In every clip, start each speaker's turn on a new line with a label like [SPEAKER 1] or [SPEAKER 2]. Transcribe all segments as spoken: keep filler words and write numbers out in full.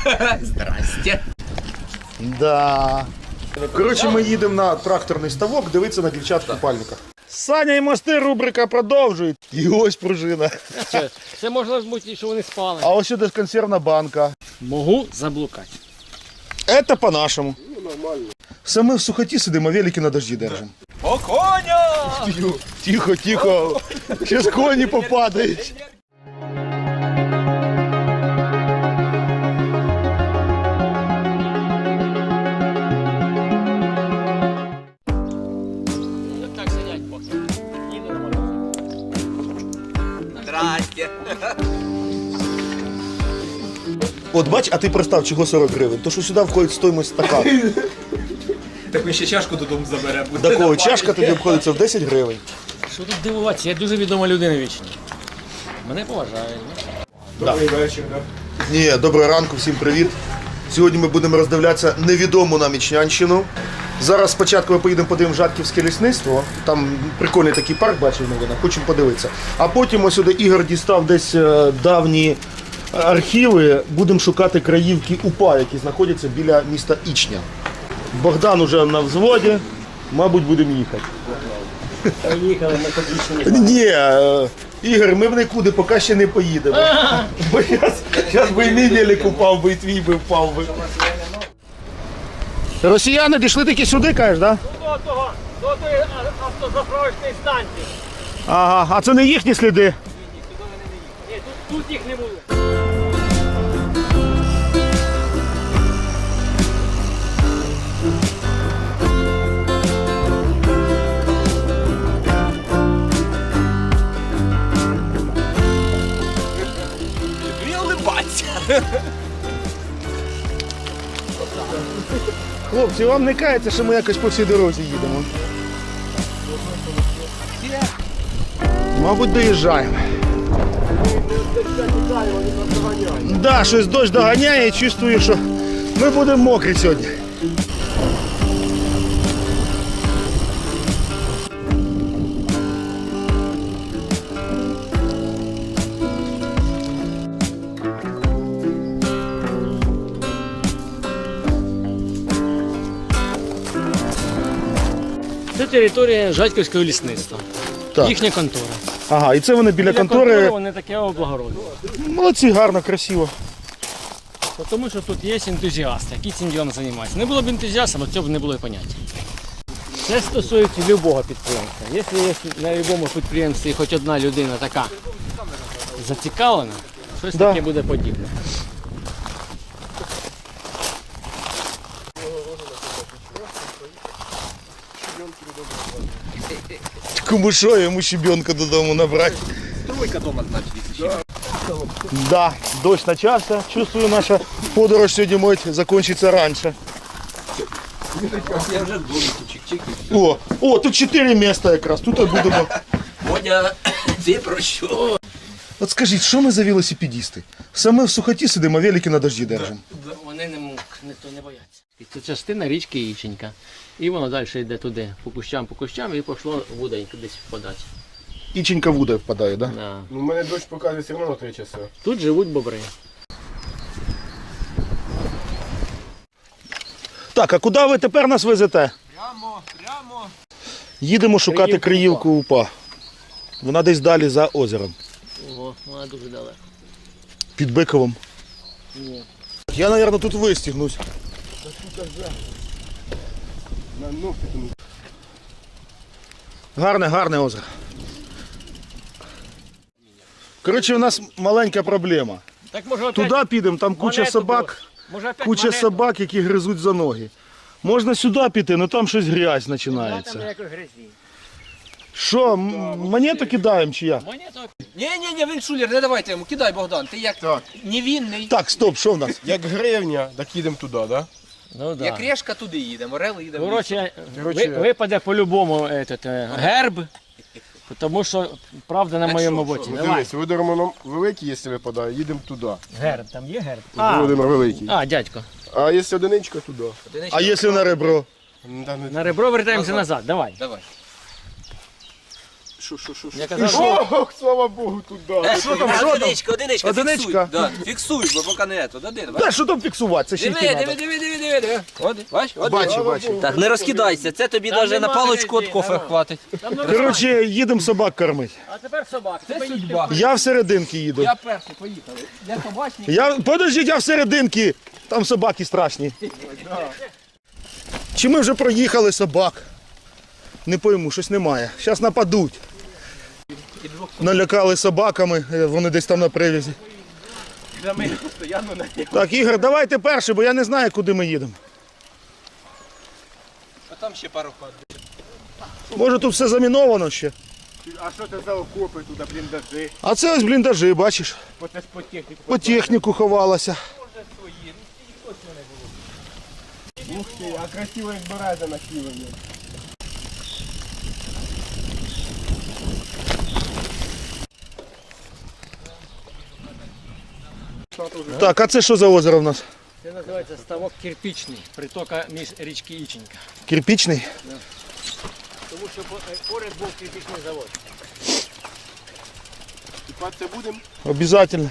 [SPEAKER 1] Здрасте.
[SPEAKER 2] Да. Коротше, ми їдемо на тракторний ставок, дивитися на дівчат в купальниках. Саня і мости рубрика продовжує. І ось пружина.
[SPEAKER 3] Це, це можна бути, що вони спали.
[SPEAKER 2] А ось сюди консервна банка.
[SPEAKER 3] Можу заблукати.
[SPEAKER 2] Це по-нашому. Ну, нормально. Все ми в сухоті сидимо, велики на дожді держимо.
[SPEAKER 1] О, коня!
[SPEAKER 2] Тихо, тихо. Зараз коні попадають.
[SPEAKER 3] Так сидять поки. Їду на мотоциклі.
[SPEAKER 1] Здрасте.
[SPEAKER 2] От бач, а ти пристав, чого сорок гривень? То що сюди входить стоїмость стакану.
[SPEAKER 1] Так ми ще чашку додому заберемо.
[SPEAKER 2] Такого чашка тобі обходиться в десять гривень.
[SPEAKER 3] Що тут дивуватися? Я дуже відома людина вічні. Мене поважають.
[SPEAKER 2] Добрий вечір. Ні, доброго ранку, всім привіт. Сьогодні ми будемо роздивлятися невідому нам Ічнянщину. Зараз спочатку ми поїдемо подивимо Жатківське лісництво. Там прикольний такий парк, бачив новина, хочемо подивитися. А потім ось сюди Ігор дістав десь е, давні архіви. Будемо шукати краївки УПА, які знаходяться біля міста Ічня. Богдан уже на взводі, мабуть, будемо їхати.
[SPEAKER 3] Поїхали, ми побічні.
[SPEAKER 2] Ні, е, Ігор, ми в нікуди поки ще не поїдемо. Бо зараз би і мій велик упав би, і твій би впав би. Росіяни дійшли таки сюди, кажеш, так?
[SPEAKER 3] До того, до тої автозаправочної станції.
[SPEAKER 2] Ага, а це не їхні сліди?
[SPEAKER 3] Ні, тут, тут їх не було.
[SPEAKER 1] Не улыбаться.
[SPEAKER 2] Хлопці, вам не кається, що ми якось по всій дорозі їдемо? Мабуть, доїжджаємо. Так, да, щось дощ доганяє і чувствую, що ми будемо мокрі сьогодні.
[SPEAKER 3] Це територія Жатьківського лісництва.
[SPEAKER 2] Так.
[SPEAKER 3] Їхня контора.
[SPEAKER 2] Ага, і це вони біля
[SPEAKER 3] Біля
[SPEAKER 2] контори.
[SPEAKER 3] вони таке облагородили.
[SPEAKER 2] Молодці, гарно, красиво.
[SPEAKER 3] Тому що тут є ентузіасти, які цим ділом займаються. Не було б ентузіастів, цього б не було і поняття. Це стосується будь-якого підприємства. Якщо є на будь-якому підприємстві хоч одна людина така зацікавлена, щось
[SPEAKER 2] Да.
[SPEAKER 3] таке буде подібне.
[SPEAKER 2] Кому що, йому щебенка додому набрати.
[SPEAKER 1] Тройка дома, значить, якщо.
[SPEAKER 2] Да, дощ почався. Чувствую, наша подорож сьогодні може закінчиться раніше.
[SPEAKER 1] Я вже вдома, чик-чик.
[SPEAKER 2] О, о, тут чотири місця якраз, тут і будемо.
[SPEAKER 1] Водя, це про що?
[SPEAKER 2] От скажіть, що ми за велосипедісти? Саме в сухоті сидимо, велики на дожді держимо.
[SPEAKER 3] Вони не, не, то не бояться. І це частина річки Іченька. І воно далі йде туди, по кущам, по кущам, і пішло вуденько десь впадати.
[SPEAKER 2] Іченька в воду впадає, так? Да?
[SPEAKER 3] Да.
[SPEAKER 4] Ну, у мене дощ показує все одно на три часи.
[SPEAKER 3] Тут живуть бобри.
[SPEAKER 2] Так, а куди ви тепер нас везете?
[SPEAKER 1] Прямо, прямо.
[SPEAKER 2] Їдемо шукати
[SPEAKER 3] Криївку
[SPEAKER 2] Криївку УПА. Вона десь далі за озером.
[SPEAKER 3] Ого, вона дуже далеко.
[SPEAKER 2] Під Биковом.
[SPEAKER 3] Ні.
[SPEAKER 2] Я, мабуть, тут вистігнусь. Гарне, гарне озеро. Коротше, у нас маленька проблема.
[SPEAKER 3] Так може опять
[SPEAKER 2] Туди підемо, там куча
[SPEAKER 3] монету
[SPEAKER 2] собак,
[SPEAKER 3] брось. Може опять
[SPEAKER 2] куча
[SPEAKER 3] монету?
[SPEAKER 2] собак, які гризуть за ноги. Можна сюди піти, але там щось грязь
[SPEAKER 3] Там
[SPEAKER 2] починається.
[SPEAKER 3] ніякої грязі.
[SPEAKER 2] Що, м- монету кидаємо чи як?
[SPEAKER 3] Монету
[SPEAKER 1] Ні, ні, ні, він шулер, не давайте йому, кидай, Богдан, ти як
[SPEAKER 4] Так.
[SPEAKER 1] невінний.
[SPEAKER 2] Так, стоп, що в нас?
[SPEAKER 4] Як гривня, так їдемо туди, так? Да?
[SPEAKER 3] Ну да.
[SPEAKER 1] Як решка, туди їдемо, орел їдемо.
[SPEAKER 3] Коротше,
[SPEAKER 4] Коротше,
[SPEAKER 3] ви- випаде по-любому этот, е, герб, тому що правда на
[SPEAKER 1] Так
[SPEAKER 3] моєму
[SPEAKER 1] що,
[SPEAKER 3] боці.
[SPEAKER 1] що?
[SPEAKER 3] Давай.
[SPEAKER 4] Дивись, Володимир нам великий, якщо випадає, їдемо туди.
[SPEAKER 3] Герб, там є герб?
[SPEAKER 4] Володимир великий.
[SPEAKER 3] А, дядько.
[SPEAKER 4] А якщо одиничка, туди.
[SPEAKER 2] А якщо на ребро?
[SPEAKER 4] Ну, та не-
[SPEAKER 3] На ребро вертаємося
[SPEAKER 1] Назад.
[SPEAKER 3] назад, давай.
[SPEAKER 1] Давай. Що, що, що, що?
[SPEAKER 3] Я казав, що
[SPEAKER 4] Ох, слава Богу, туди.
[SPEAKER 1] Е, що там,
[SPEAKER 2] що там?
[SPEAKER 1] одиничка, одиничка,
[SPEAKER 2] Одиничка?
[SPEAKER 1] фіксуй. Да, фіксуй, бо поки не ето, один, бач.
[SPEAKER 2] Та що там фіксувати? Це ще
[SPEAKER 1] Диви,
[SPEAKER 2] йти
[SPEAKER 1] диви,
[SPEAKER 2] треба.
[SPEAKER 1] диви, диви, диви, диви. Один, бач, один.
[SPEAKER 2] Бачу, бачу.
[SPEAKER 1] Так, не розкидайся, це тобі
[SPEAKER 3] Там
[SPEAKER 1] навіть на
[SPEAKER 3] нема
[SPEAKER 1] паличку від
[SPEAKER 3] грязі,
[SPEAKER 1] кофе
[SPEAKER 3] народ.
[SPEAKER 1] хватить.
[SPEAKER 2] Коротше, їдемо собак кормити.
[SPEAKER 3] а тепер собак.
[SPEAKER 1] Це
[SPEAKER 3] Це
[SPEAKER 1] судьба.
[SPEAKER 2] Я всерединки їду.
[SPEAKER 1] Я перший, поїхали. Я собачник.
[SPEAKER 2] Я, подождіть, я всерединки. Там собаки страшні. Чи ми вже проїхали собак? Не пойму, щось немає. Зараз нападуть. Налякали собаками, е, вони десь там на привязі.
[SPEAKER 1] Ми постійно на
[SPEAKER 2] Так, Ігор, давайте перший, бо я не знаю, куди ми їдемо.
[SPEAKER 1] А там ще пару хат.
[SPEAKER 2] Може тут все заміновано ще.
[SPEAKER 4] А що це за окопи туди, бліндажі?
[SPEAKER 2] А це ось бліндажі, бачиш?
[SPEAKER 4] По це ж по техніку.
[SPEAKER 2] По техніку ховалася.
[SPEAKER 4] Ух ти, а красиво як береза на сілені.
[SPEAKER 2] Так, а це що за озеро в нас?
[SPEAKER 3] Це називається ставок кирпічний, притока між річки Іченька.
[SPEAKER 2] Кирпічний?
[SPEAKER 3] Тому що поряд був кирпічний завод.
[SPEAKER 4] Купатися будемо?
[SPEAKER 2] Обязательно.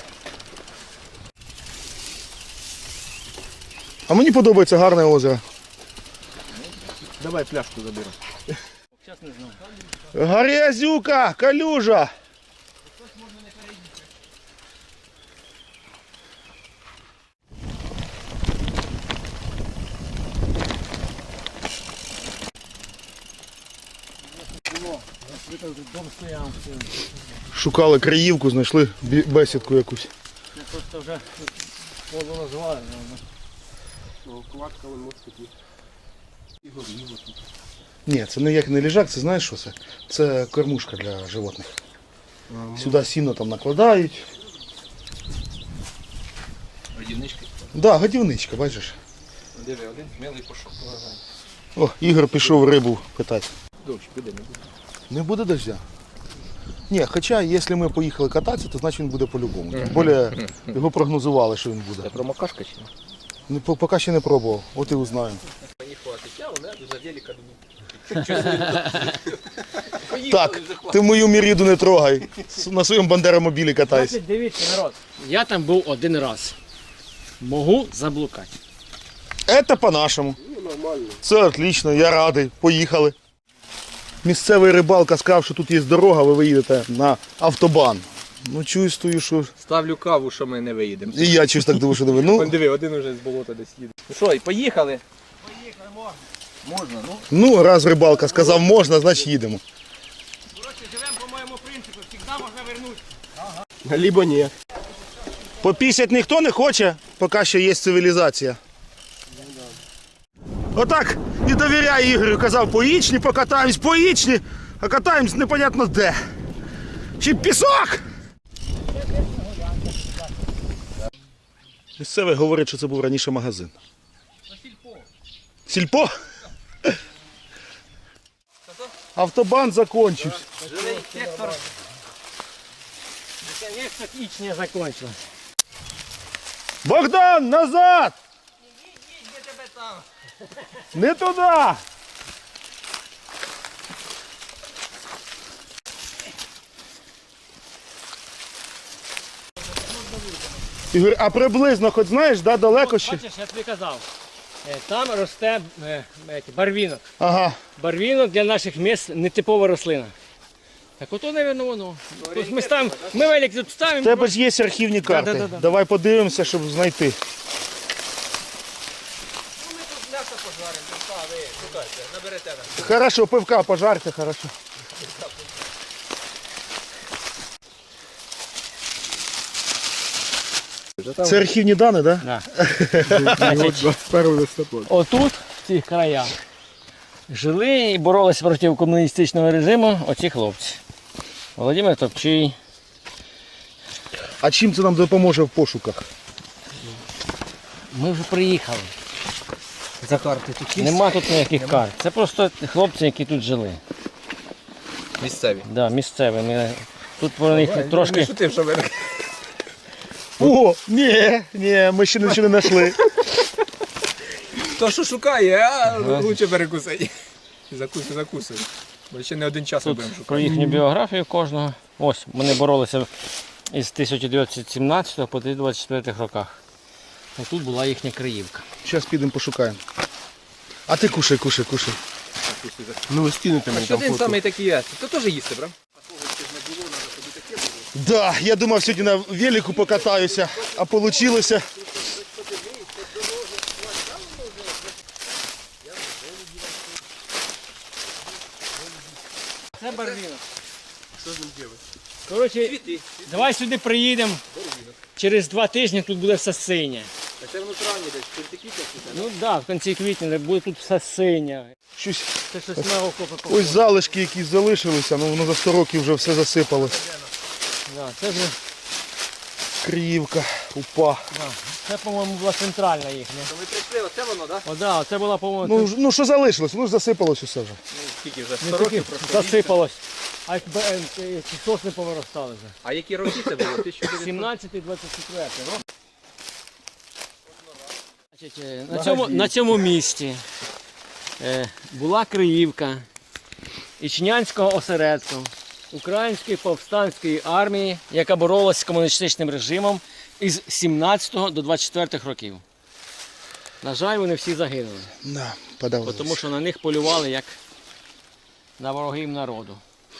[SPEAKER 2] А мені подобається гарне озеро.
[SPEAKER 4] Давай пляшку заберемо.
[SPEAKER 3] Зараз не знаю.
[SPEAKER 2] Грязюка, калюжа.
[SPEAKER 3] Дом стояв.
[SPEAKER 2] Шукали краївку, знайшли бі- бесідку якусь.
[SPEAKER 3] Це просто вже воду назвали.
[SPEAKER 4] Ну, кладка вон може такі.
[SPEAKER 2] Ні, це ніяк не ліжак, це знаєш що це? Це кормушка для животних. Сюди сіно там накладають.
[SPEAKER 1] Родівнички.
[SPEAKER 2] Да, годівничка, бачиш.
[SPEAKER 1] Диви, один смілий пішов.
[SPEAKER 2] О, Ігор пішов рибу питати.
[SPEAKER 1] Дощ, піде, не буде.
[SPEAKER 2] Не буде дождя? Ні, хоча, якщо ми поїхали кататися, то значить він буде по-любому. Тим більше його прогнозували, що він буде.
[SPEAKER 1] Промокашка чи ні?
[SPEAKER 2] Не, по- поки ще не пробував, от і узнаємо.
[SPEAKER 1] Мені хватить. Я вона за деліка думаю.
[SPEAKER 2] Так, ти мою міріду не трогай. С- На своєму бандеромобілі катайся.
[SPEAKER 3] Значить, дивіться, народ. Я там був один раз. Можу заблукати.
[SPEAKER 2] Це по-нашому. Це отлично, я радий. Поїхали. Місцевий рибалка сказав, що тут є дорога, ви виїдете на автобан. Ну чувствую, що...
[SPEAKER 1] Ставлю каву, що ми не виїдемо.
[SPEAKER 2] І я чусь так думаю, що диви. Ну,
[SPEAKER 1] Вон диви, один уже з болота десь їде. Ну що, і поїхали? Поїхали, можна. Можна, ну.
[SPEAKER 2] ну, раз рибалка сказав можна, значить їдемо.
[SPEAKER 3] Коротше, живемо по моєму принципу, завжди можна вернутися.
[SPEAKER 4] Либо ні.
[SPEAKER 2] Попісять ніхто не хоче, поки ще є цивілізація. Отак і довіряю Ігорю. Казав, поїчні, покатаємось, поїчні, а катаємось непонятно де. Чи пісок? Місцевий говорить, що це був раніше магазин.
[SPEAKER 3] Сільпо.
[SPEAKER 2] Сільпо? Автобан закончився.
[SPEAKER 1] Жилий сектор.
[SPEAKER 3] Наконец-то ніч не закончилась.
[SPEAKER 2] Богдан, назад!
[SPEAKER 1] Де тебе там?
[SPEAKER 2] Не туди! Ігор, а приблизно, хоч знаєш, да, далеко ще?
[SPEAKER 3] Бачиш, я тобі казав. е, Там росте е, е, барвінок.
[SPEAKER 2] Ага.
[SPEAKER 3] Барвінок для наших міст нетипова рослина. Так ото, мабуть, воно. Тобто ми, ставимо, ми велик тут
[SPEAKER 2] В
[SPEAKER 3] ставимо.
[SPEAKER 2] тебе ж є архівні карти.
[SPEAKER 3] Да-да-да.
[SPEAKER 2] Давай подивимося, щоб знайти.
[SPEAKER 1] Ну ми тут м'ясо пожаримо, тут та, ви шукайте, наберете нам.
[SPEAKER 2] Хорошо, пивка пожарте, хорошо. Це архівні дані, так? Да?
[SPEAKER 3] Да. Значить,
[SPEAKER 4] двадцять першого листопада.
[SPEAKER 3] отут, в цих краях, жили і боролися проти комуністичного режиму оці хлопці. Володимир Топчий.
[SPEAKER 2] А чим це нам допоможе в пошуках?
[SPEAKER 3] Ми вже приїхали.
[SPEAKER 1] За карти тут
[SPEAKER 3] Нема тут ніяких карт. Це просто хлопці, які тут жили.
[SPEAKER 1] Місцеві.
[SPEAKER 3] Да, місцеві. Ми тут про них трошки.
[SPEAKER 1] шутив, що ви...
[SPEAKER 2] О, ні, ні, ми ще нічого не знайшли.
[SPEAKER 1] Хто що шукає, а лучше перекусить. Закусуй, закусуй. Бо ще не один час
[SPEAKER 3] Тут
[SPEAKER 1] будемо шукати.
[SPEAKER 3] про їхню біографію кожного. Ось, вони боролися із тисяча дев'ятсот сімнадцятого по тисяча дев'ятсот двадцять четвертих роках. А тут була їхня Криївка.
[SPEAKER 2] Зараз підемо пошукаємо. А ти кушай, кушай, кушай.
[SPEAKER 4] Ну ви скинете
[SPEAKER 1] А
[SPEAKER 4] мені
[SPEAKER 1] що
[SPEAKER 4] там
[SPEAKER 1] один
[SPEAKER 4] фото.
[SPEAKER 1] самий такий є? То теж їсти, брам?
[SPEAKER 2] Да, я думав сьогодні на велику покатаюся, а вийшло.
[SPEAKER 3] Це барвінок. Що з ним робити? Коротше, давай сюди приїдемо. Через два тижні тут буде все синє.
[SPEAKER 1] А це воно травні десь, в кінці квітня?
[SPEAKER 3] Ну так, да, в кінці квітня буде тут все синє.
[SPEAKER 2] Щось,
[SPEAKER 3] Це щось на око
[SPEAKER 2] ось
[SPEAKER 3] похоже.
[SPEAKER 2] залишки якісь залишилися, ну воно за сто років вже все засипалось.
[SPEAKER 3] Да, це, вже,
[SPEAKER 2] Криївка, упа.
[SPEAKER 3] да, це, по-моєму, була центральна їхня.
[SPEAKER 1] То ми прийшли, оце воно, так?
[SPEAKER 3] О, да, це була, по-моєму,
[SPEAKER 2] Ну, ж- ну що залишилось? Ну ж засипалось усе вже.
[SPEAKER 1] Ну, скільки вже?
[SPEAKER 3] не
[SPEAKER 1] сто
[SPEAKER 3] таки
[SPEAKER 1] років просто.
[SPEAKER 3] засипалось. А як би, е, е, ці сосни повиростали вже.
[SPEAKER 1] А які роки це було? тисяча дев'ятсот?
[SPEAKER 3] сімнадцятий двадцять четвертий рок. Значить, е, на, цьому, на цьому місці е, була Криївка Ічнянського осередку Української повстанської армії, яка боролася з комуністичним режимом із сімнадцятого до двадцять четвертих років. На жаль, вони всі загинули,
[SPEAKER 2] На,
[SPEAKER 3] бо
[SPEAKER 2] подавилось.
[SPEAKER 3] тому що на них полювали як на ворогів народу.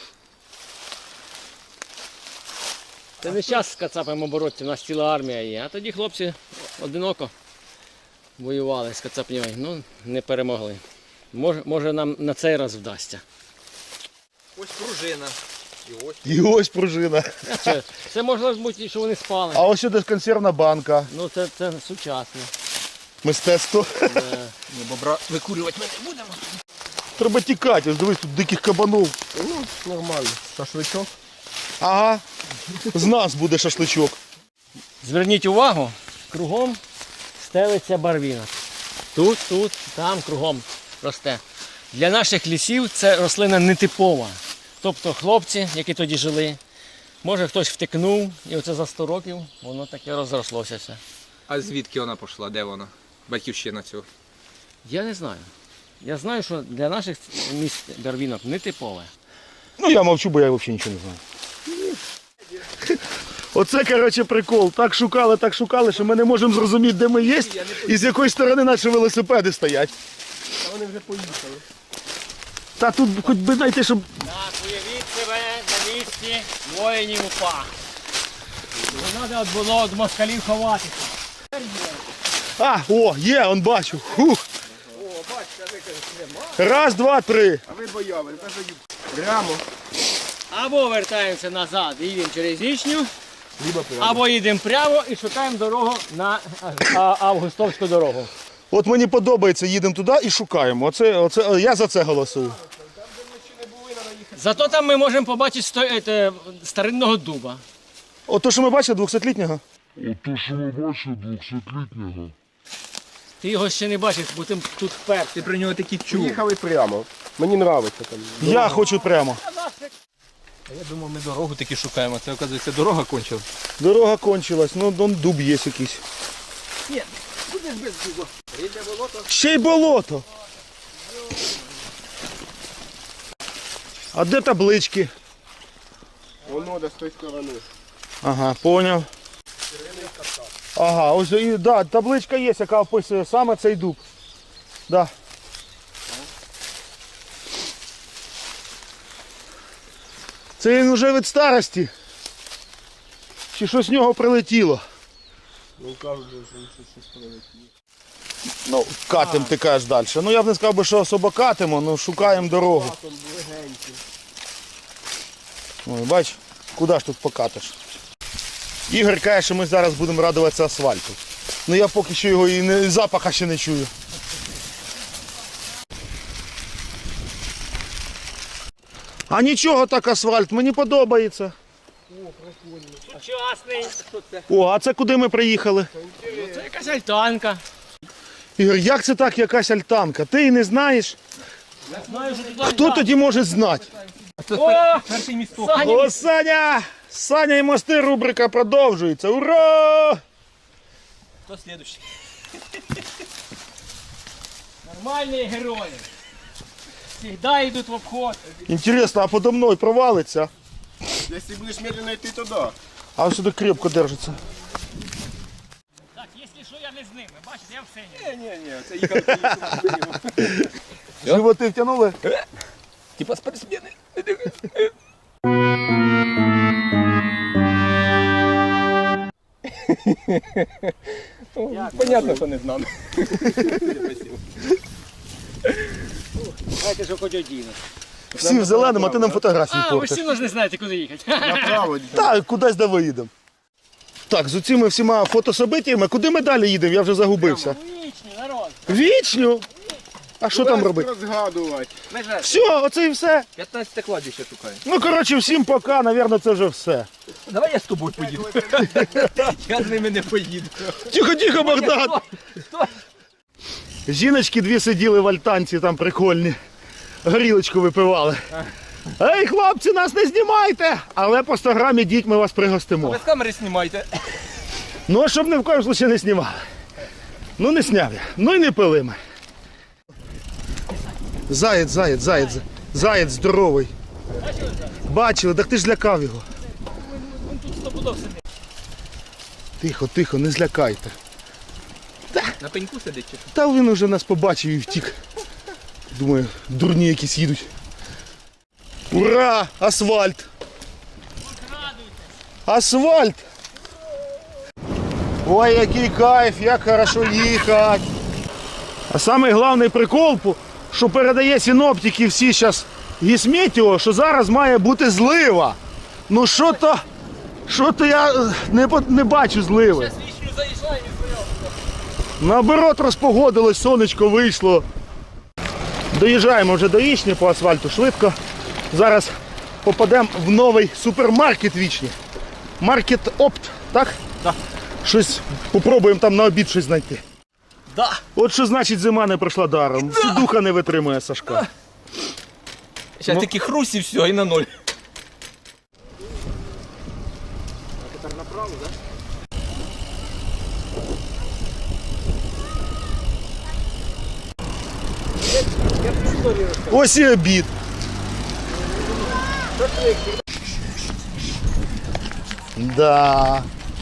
[SPEAKER 3] Це не час з кацапами боротися, у нас ціла армія є. А тоді хлопці одиноко воювали з кацапнями, ну не перемогли. Може, може нам на цей раз вдасться.
[SPEAKER 1] Ось пружина. І ось.
[SPEAKER 2] І ось пружина.
[SPEAKER 3] Це, це може бути, що вони спали.
[SPEAKER 2] А ось сюди консервна банка.
[SPEAKER 3] Ну це, це сучасно.
[SPEAKER 2] Мистецтво.
[SPEAKER 3] Е,
[SPEAKER 1] Ні, бобра викурювати ми не будемо.
[SPEAKER 2] Треба тікати, ось дивись, тут диких кабанов.
[SPEAKER 4] Ну, нормально. Шашличок.
[SPEAKER 2] Ага. З нас буде шашличок.
[SPEAKER 3] Зверніть увагу, кругом стелиться барвінок. Тут, тут, там кругом росте. Для наших лісів це рослина нетипова. Тобто хлопці, які тоді жили, може хтось втекнув, і оце за сто років воно таке розрослося все.
[SPEAKER 1] А звідки вона пішла? Де вона? Батьківщина цього.
[SPEAKER 3] Я не знаю. Я знаю, що для наших міст барвінок нетипове.
[SPEAKER 2] Ну я мовчу, бо я взагалі нічого не знаю. Оце, коротше, прикол. Так шукали, так шукали, що ми не можемо зрозуміти, де ми є і з якої сторони наші велосипеди стоять.
[SPEAKER 4] А вони вже поїхали.
[SPEAKER 2] Та тут хоч би знайти, щоб...
[SPEAKER 3] Так, уявіть себе на місці воїнів УПА. Не треба було від москалів ховатися.
[SPEAKER 2] А, о, є, он бачу. Хух.
[SPEAKER 4] О, бачите, а ви кажете, нема.
[SPEAKER 2] Раз, два, три.
[SPEAKER 4] А ви бояли, кажу, прямо.
[SPEAKER 3] Або вертаємося назад і їдемо через Ічню,
[SPEAKER 4] Либо прямо.
[SPEAKER 3] або їдемо прямо і шукаємо дорогу на а, Августовську дорогу.
[SPEAKER 2] От мені подобається, їдемо туди і шукаємо. Оце, оце, я за це голосую.
[SPEAKER 3] Зато там ми можемо побачити сто, ете, старинного дуба.
[SPEAKER 2] От то, що ми бачили, двохсотлітнього.
[SPEAKER 5] Ото, що ми бачили двохсотлітнього.
[SPEAKER 3] Ти його ще не бачив, бо ти тут вперше.
[SPEAKER 1] Ти про нього такі чув.
[SPEAKER 4] Поїхали прямо. Мені подобається там.
[SPEAKER 2] Я хочу прямо.
[SPEAKER 1] Я думав, ми дорогу таки шукаємо. Це, оказується, дорога кончила.
[SPEAKER 2] Дорога кончилась, ну дон дуб є якийсь.
[SPEAKER 1] Ні, будеш без дуба. Рідне болото.
[SPEAKER 2] Ще й болото. А де таблички?
[SPEAKER 4] Воно до з тої сторони.
[SPEAKER 2] Ага, поняв. Ага, ось і да, табличка є, яка описує саме цей дуб. Да. Це він вже від старості. Чи щось з нього прилетіло?
[SPEAKER 4] Ну кажуть, що щось прилетіло.
[SPEAKER 2] Ну, катим ти кажеш далі. Ну я б не сказав би, що особо катимо, ну шукаємо дорогу.
[SPEAKER 4] Там легенький.
[SPEAKER 2] Ой, бач, куди ж тут покатиш? Ігор каже, що ми зараз будемо радуватися асфальту. Ну я поки що його і не, запаха ще не чую. А нічого так асфальт, мені подобається.
[SPEAKER 3] Сучасний.
[SPEAKER 2] О, а це куди ми приїхали?
[SPEAKER 3] Це якась альтанка.
[SPEAKER 2] Ігор, як це так якась альтанка? Ти і не знаєш?
[SPEAKER 3] Знаю, що туди
[SPEAKER 2] Хто тоді може знати?
[SPEAKER 3] О,
[SPEAKER 1] Перший місток.
[SPEAKER 3] Саня,
[SPEAKER 2] О, Саня! Саня і мости рубрика продовжується. Ура!
[SPEAKER 1] Хто слідущий?
[SPEAKER 3] нормальні герої. Всегда йдуть в обход.
[SPEAKER 2] Інтересно, а подо мною провалиться?
[SPEAKER 4] Если будешь медленно идти туда.
[SPEAKER 2] А ось сюди крепко держиться.
[SPEAKER 3] Так, якщо що, я не з ними, бачите, я в сені.
[SPEAKER 4] Не-не-не, це їхали.
[SPEAKER 2] Животи втягнули?
[SPEAKER 1] Типа спортсмени. Понятно, що не з нами.
[SPEAKER 3] Давайте ж хоч одіну.
[SPEAKER 2] Всі в зеленому, а ти нам фотографії
[SPEAKER 3] А, ви
[SPEAKER 2] портиш.
[SPEAKER 3] всі ж не знаєте, куди їхати.
[SPEAKER 4] Направо.
[SPEAKER 2] Так, кудись де виїдемо. Так, з цими всіма фотособитіями, куди ми далі їдемо? Я вже загубився.
[SPEAKER 3] Вічні, народ.
[SPEAKER 2] Вічню? А що там робити?
[SPEAKER 4] Розгадувати.
[SPEAKER 1] Ми ж
[SPEAKER 2] Все, оце і все.
[SPEAKER 1] п'ятнадцяте кладбище шукаємо.
[SPEAKER 2] Ну, коротше, всім пока, навірно, це вже все.
[SPEAKER 1] Давай я з тобою поїду. Я з ними не поїду.
[SPEAKER 2] Тихо, тихо, Богдан! Жіночки дві сиділи в альтанці, там прикольні. Горілочку випивали. Ей, хлопці, нас не знімайте! Але по сто грамів діть, ми вас пригостимо.
[SPEAKER 1] Без камери знімайте.
[SPEAKER 2] Ну, а щоб ні в коєму случаю не знімали. Ну, не сняв я. Ну і не пили ми. Заєць, заєць, заєць. Заєць здоровий. Бачили, так ти ж злякав його.
[SPEAKER 3] Він тут стопудов сидить.
[SPEAKER 2] Тихо, тихо, не злякайте.
[SPEAKER 1] На пеньку сидить чи що?
[SPEAKER 2] Та він уже нас побачив і втік. Думаю, дурні якісь їдуть. Ура! Асфальт! Асфальт! Ой, який кайф, як хорошо їхати. А самий головний прикол, що передає синоптики всі зараз гісметео, що зараз має бути злива. Ну що то, що то я не, по- не бачу зливи.
[SPEAKER 1] Вічню заїжджає і стояв.
[SPEAKER 2] Наоборот, розпогодилось, сонечко вийшло. Доїжджаємо вже до Вічні по асфальту швидко. Зараз попадемо в новий супермаркет Вічні. Маркет Опт, так?
[SPEAKER 1] Так.
[SPEAKER 2] Щось попробуємо там на обід щось знайти.
[SPEAKER 1] Да.
[SPEAKER 2] От що значить зима не пройшла даром. Духа не витримує Сашка.
[SPEAKER 1] Зараз такі хруст і все, і на ноль.
[SPEAKER 2] Ось і обід. Да.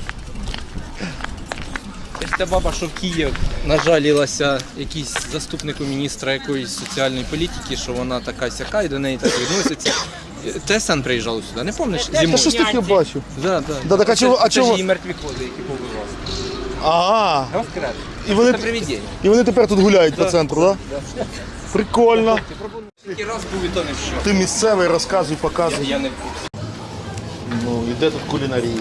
[SPEAKER 1] Це ж та баба, що в Київ нажалілася якийсь заступнику міністра якоїсь соціальної політики, що вона така сяка і до неї так відноситься. ТСН приїжджало сюди, не пам'ятаєш?
[SPEAKER 2] Та
[SPEAKER 1] Зимою.
[SPEAKER 2] щось таке бачу.
[SPEAKER 1] Да, да.
[SPEAKER 2] Да, так а
[SPEAKER 1] Це-
[SPEAKER 2] чого- а
[SPEAKER 1] це
[SPEAKER 2] чого-
[SPEAKER 1] ж її мертві кози, які побивали.
[SPEAKER 2] Ага.
[SPEAKER 1] Розкрет.
[SPEAKER 2] І вони,
[SPEAKER 1] Це привидіння.
[SPEAKER 2] і вони тепер тут гуляють по центру, так? Да? Прикольно.
[SPEAKER 1] Тільки раз був і то не що.
[SPEAKER 2] Ти місцевий, розказуй, показуй.
[SPEAKER 1] Я не в курсі.
[SPEAKER 2] Ну, і де тут кулінарія?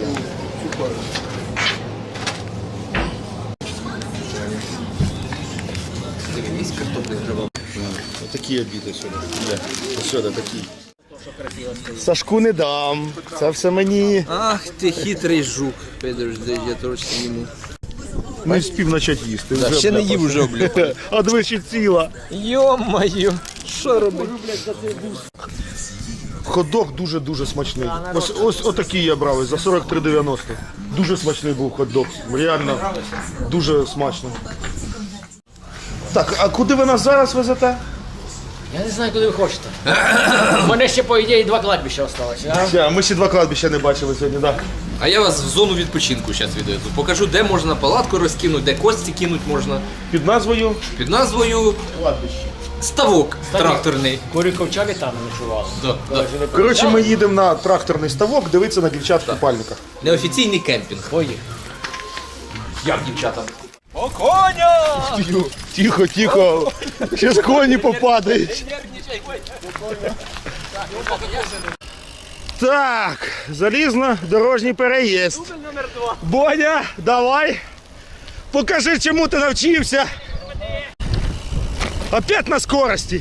[SPEAKER 1] Дивись, картоплі зривав.
[SPEAKER 2] Такі обіди сьогодні. Де? Ось сюди такі. Сашку не дам. Це все мені.
[SPEAKER 1] Ах ти хитрий жук. Підожди, я трошки йому.
[SPEAKER 2] Не встиг почати їсти.
[SPEAKER 1] Да,
[SPEAKER 2] вже
[SPEAKER 1] ще не
[SPEAKER 2] обляпався.
[SPEAKER 1] їв, вже облюбив.
[SPEAKER 2] А двічі ціла.
[SPEAKER 1] Йо-моє, що робить?
[SPEAKER 2] Хот-дог дуже-дуже смачний. Ось, ось отакий я брав за сорок три дев'яносто. Дуже смачний був хот-дог. Реально дуже смачно. Так, а куди ви нас зараз везете?
[SPEAKER 3] Я не знаю, куди ви хочете. У мене ще, по ідеї, два кладбища залишилося.
[SPEAKER 2] Ще, ми ще два кладбища не бачили сьогодні, так.
[SPEAKER 6] А я вас в зону відпочинку зараз відведу. Покажу, де можна палатку розкинути, де кості кинуть можна.
[SPEAKER 2] Під назвою
[SPEAKER 6] Під назвою
[SPEAKER 2] кладбище.
[SPEAKER 6] ставок тракторний.
[SPEAKER 3] Куріковчаки там ночували.
[SPEAKER 6] Да, да.
[SPEAKER 2] Коротше, ми їдемо на тракторний ставок, дивитися на дівчат в купальниках.
[SPEAKER 6] Неофіційний кемпінг.
[SPEAKER 3] Поїх.
[SPEAKER 6] Як дівчата?
[SPEAKER 1] О, коня!
[SPEAKER 2] Тихо, тихо. Ще з коні попадають. Так, залізно-дорожній переїзд. Боня, давай. Покажи, чому ти навчився. Опять на скорості.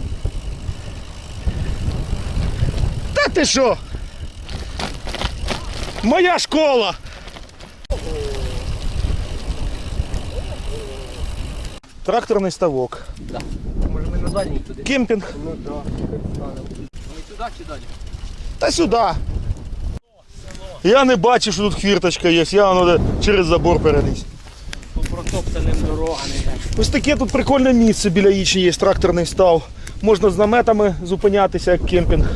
[SPEAKER 2] Та ти що? Моя школа. Тракторний ставок.
[SPEAKER 1] Може ми на дальній туди?
[SPEAKER 2] Кемпінг.
[SPEAKER 1] Ми туди чи далі?
[SPEAKER 2] Та сюди. Я не бачу, що тут хвірточка є. Я воно де через забор переліз.
[SPEAKER 1] Протоптані
[SPEAKER 3] розтоптаним дорогами.
[SPEAKER 2] Ось таке тут прикольне місце біля Ічні є, тракторний став. Можна з наметами зупинятися, як кемпінг.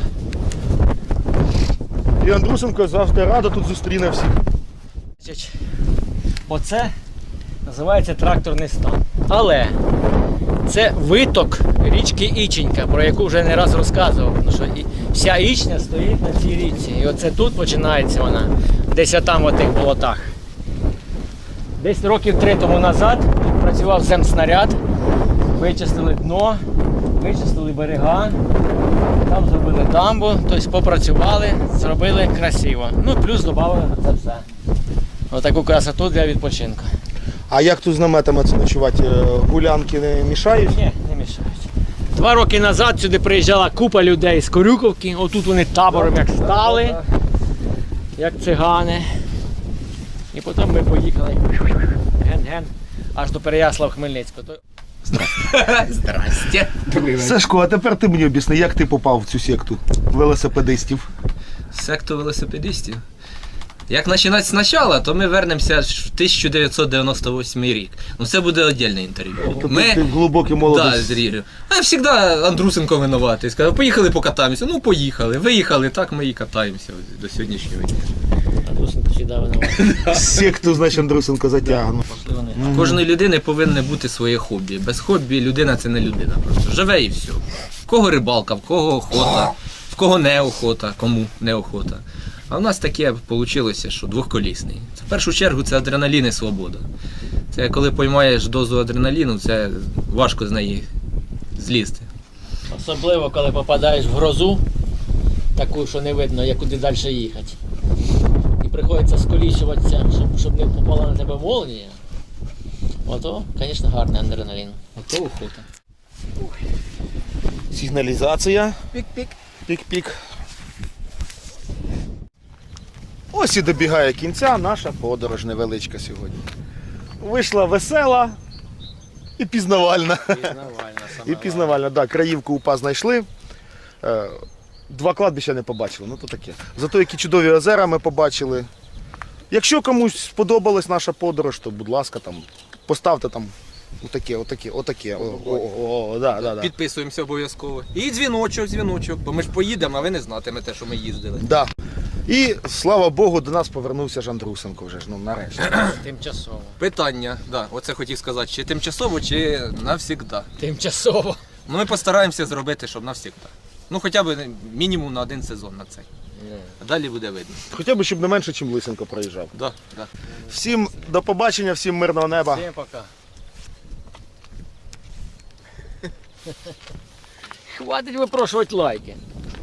[SPEAKER 2] І Андрусенко завжди радо тут зустріне всіх.
[SPEAKER 3] Значить, оце називається тракторний стан. Але це виток річки Іченька, про яку вже не раз розказував. Тому що і вся Ічня стоїть на цій річці. І оце тут починається вона, десь там в тих болотах. Десь років три тому назад тут працював земснаряд, вичистили дно, вичистили берега, там зробили дамбу, тобто попрацювали, зробили красиво. Ну плюс додали це все. Отаку красоту для відпочинку.
[SPEAKER 2] А як тут з наметами це ночувати? Гулянки не мішають?
[SPEAKER 3] Ні, не мішають. Два роки назад сюди приїжджала купа людей з Корюковки, отут вони табором як стали, як цигани. І потім ми поїхали ген-ген аж до Переяслав-Хмельницького. То-
[SPEAKER 6] Здрасте.
[SPEAKER 2] Сашко, а тепер ти мені об'ясни, як ти попав в цю секту велосипедистів?
[SPEAKER 6] Секту велосипедистів. Як починати спочатку, то ми вернемося в тисяча дев'ятсот дев'яносто восьмий рік. Ну це буде окреме інтерв'ю.
[SPEAKER 2] Тобто
[SPEAKER 6] Ми...
[SPEAKER 2] ти в глибокій
[SPEAKER 6] Да,
[SPEAKER 2] молодості.
[SPEAKER 6] з Рігою. А завжди Андрусенко винуватий. Сказав, поїхали покатаємося. Ну поїхали. Виїхали, так ми і катаємося до сьогоднішнього дня.
[SPEAKER 3] А Дусенко завжди винуватий.
[SPEAKER 2] Секту, значить, Андрусенко затягнув.
[SPEAKER 6] У кожної людини повинне бути своє хобі. Без хобі людина це не людина. Просто живе і все. В кого рибалка, в кого охота, в кого не охота, кому не охота. А в нас таке вийшло, що двохколісний. Це в першу чергу це адреналін і свобода. Це коли поймаєш дозу адреналіну, це важко з неї злізти.
[SPEAKER 3] Особливо, коли попадаєш в грозу, таку, що не видно, як куди далі їхати. І приходиться сколічуватися, щоб, щоб не попала на тебе молнія. Ото, звісно, гарний адреналін.
[SPEAKER 6] Ото охота.
[SPEAKER 2] Сигналізація.
[SPEAKER 6] Пік-пік.
[SPEAKER 2] Пік-пік. Ось і добігає кінця наша подорож невеличка сьогодні. Вийшла весела і пізнавальна.
[SPEAKER 3] Пізнавальна,
[SPEAKER 2] І пізнавальна, так, да, краївку УПА знайшли. Е, Два кладбища не побачили, ну то таке. Зато які чудові озера ми побачили. Якщо комусь сподобалась наша подорож, то будь ласка, там, поставте там отаке, отаке, отаке. О, о, о, о, да, да, да.
[SPEAKER 6] Підписуємося обов'язково. І дзвіночок, дзвіночок, бо ми ж поїдемо, а ви не знатимете, що ми їздили.
[SPEAKER 2] Да. І, слава Богу, до нас повернувся ж Андрусенко вже ж, ну нарешті.
[SPEAKER 3] Тимчасово.
[SPEAKER 6] Питання, да, оце хотів сказати, чи тимчасово, чи навсігда.
[SPEAKER 3] Тимчасово.
[SPEAKER 6] Ну ми постараємося зробити, щоб навсігда. Ну хоча б мінімум на один сезон на цей. А далі буде видно.
[SPEAKER 2] Хоча б, щоб не менше, ніж Лисенко проїжджав.
[SPEAKER 6] Да, да.
[SPEAKER 2] Всім до побачення, всім мирного неба.
[SPEAKER 3] Всім пока. Хватить випрошувати лайки.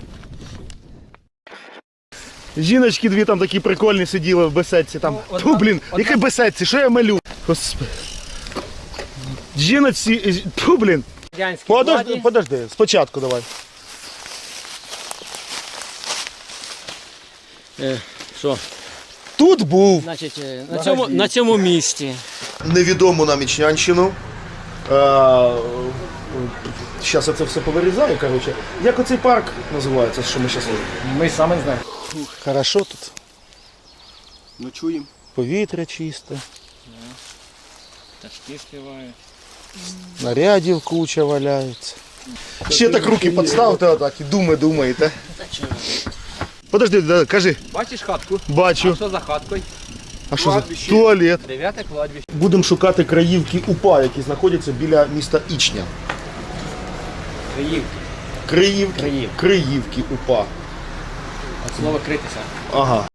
[SPEAKER 2] Жіночки дві там такі прикольні сиділи в беседці. Там. Ту, блін, які беседці, що я малю? Господи. Жіночці, ту, блін.
[SPEAKER 3] Радянські
[SPEAKER 2] Подожди,
[SPEAKER 3] владі.
[SPEAKER 2] подожди, спочатку давай.
[SPEAKER 3] Е, Що?
[SPEAKER 2] Тут був
[SPEAKER 3] Значить, е, на цьому, на цьому місці.
[SPEAKER 2] невідому нам Ічнянщину. Зараз я це все повирізаю, коротше. Як оцей парк називається, що ми зараз робимо?
[SPEAKER 3] Ми саме знаємо.
[SPEAKER 2] Хорошо тут.
[SPEAKER 4] Ночуємо.
[SPEAKER 2] Повітря чисте,
[SPEAKER 3] Пташки співають.
[SPEAKER 2] нарядів куча валяється. Ще так руки підставте отак і думи думаєте. Подожди, да, кажи.
[SPEAKER 6] Бачиш хатку?
[SPEAKER 2] Бачу.
[SPEAKER 6] Що за хаткою?
[SPEAKER 2] А що за туалет?
[SPEAKER 6] Дев'яте кладбище.
[SPEAKER 2] Будемо шукати краївки УПА, які знаходяться біля міста Ічня.
[SPEAKER 3] Криївки.
[SPEAKER 2] Криївки,
[SPEAKER 3] Криїв.
[SPEAKER 2] Криївки УПА.
[SPEAKER 3] От слово критися.
[SPEAKER 2] Ага.